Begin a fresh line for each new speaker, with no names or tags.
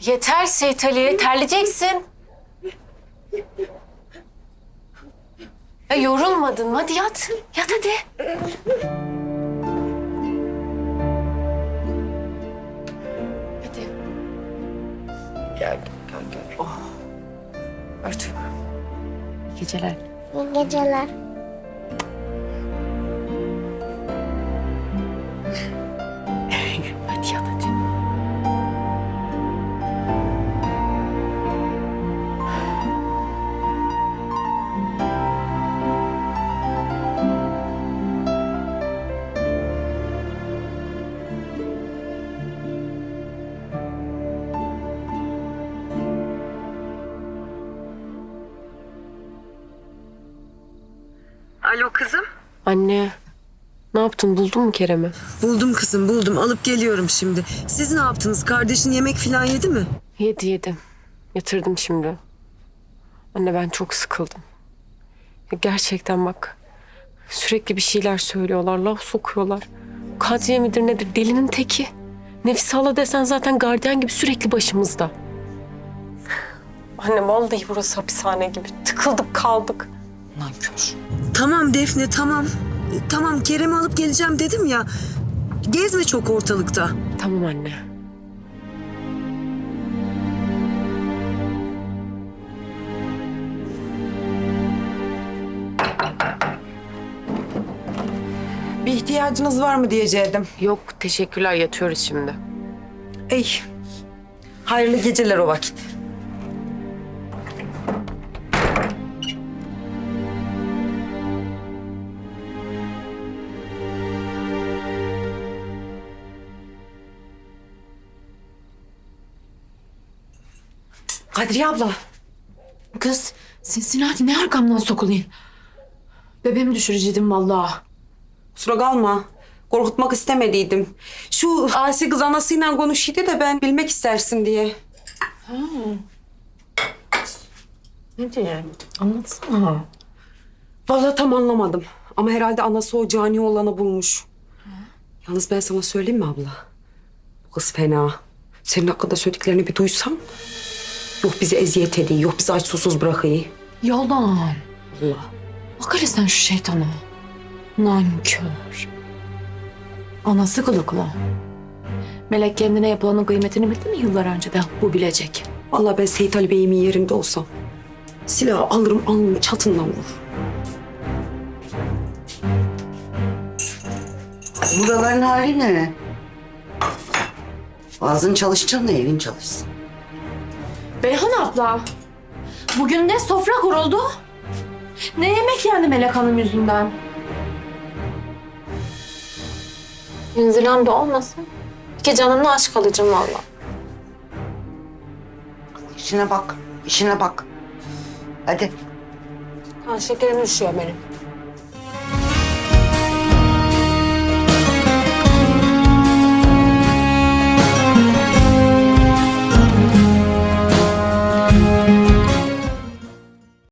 Yeter Seyit Ali, terleyeceksin. Ya yorulmadın mı? Hadi yat. Yat hadi. Hadi. Gel. Oh. Örtün. İyi geceler.
İyi geceler.
Hadi yat hadi.
Alo kızım.
Anne, ne yaptın? Buldun mu Kerem'i?
Buldum kızım buldum. Alıp geliyorum şimdi. Siz ne yaptınız? Kardeşin yemek falan yedi mi?
Yedim. Yatırdım şimdi. Anne ben çok sıkıldım. Ya gerçekten bak. Sürekli bir şeyler söylüyorlar, laf sokuyorlar. Kadriye midir nedir? Delinin teki. Nefise hala desen zaten gardiyan gibi sürekli başımızda. Anne vallahi burası hapishane gibi. Tıkıldık kaldık.
Nankör. Tamam Defne tamam. Tamam Kerem'i alıp geleceğim dedim ya. Gezme çok ortalıkta.
Tamam anne.
Bir ihtiyacınız var mı diyecektim.
Yok teşekkürler, yatıyoruz şimdi.
Ey, hayırlı geceler o vakit.
Kadriye abla. Kız Cincinnati ne arkamdan sokulayım? Bebeğimi düşürecektim vallahi.
Kusura kalma. Korkutmak istemediydim. Şu Asi kız anasıyla konuşuydu da ben bilmek istersin diye.
Ne diye? Anlatsana.
Vallahi tam anlamadım. Ama herhalde anası o cani olanı bulmuş. Yalnız ben sana söyleyeyim mi abla? Bu kız fena. Senin hakkında söylediklerini bir duysam. Yok bizi eziyet ediyor, yok bizi aç susuz bırakıyor.
Yalan.
Allah.
Bak hele sen şu şeytana. Nankör. Anası kılıklı. Melek kendine yapılanın kıymetini bildi mi yıllar önceden? Bu bilecek.
Vallahi ben Seyit Ali Bey'imin yerinde olsam silahı alırım alnının çatından vurur.
Buraların hali ne? Ağzın çalışacaksın da evin çalışsın.
Beyhan abla. Bugün ne sofra kuruldu? Ne yemek yendi Melek Hanım yüzünden?
Ünzülen de olmasın. İki canımla aşk alacağım valla.
İşine bak, işine bak. Hadi.
Kan şekerim düşüyor benim.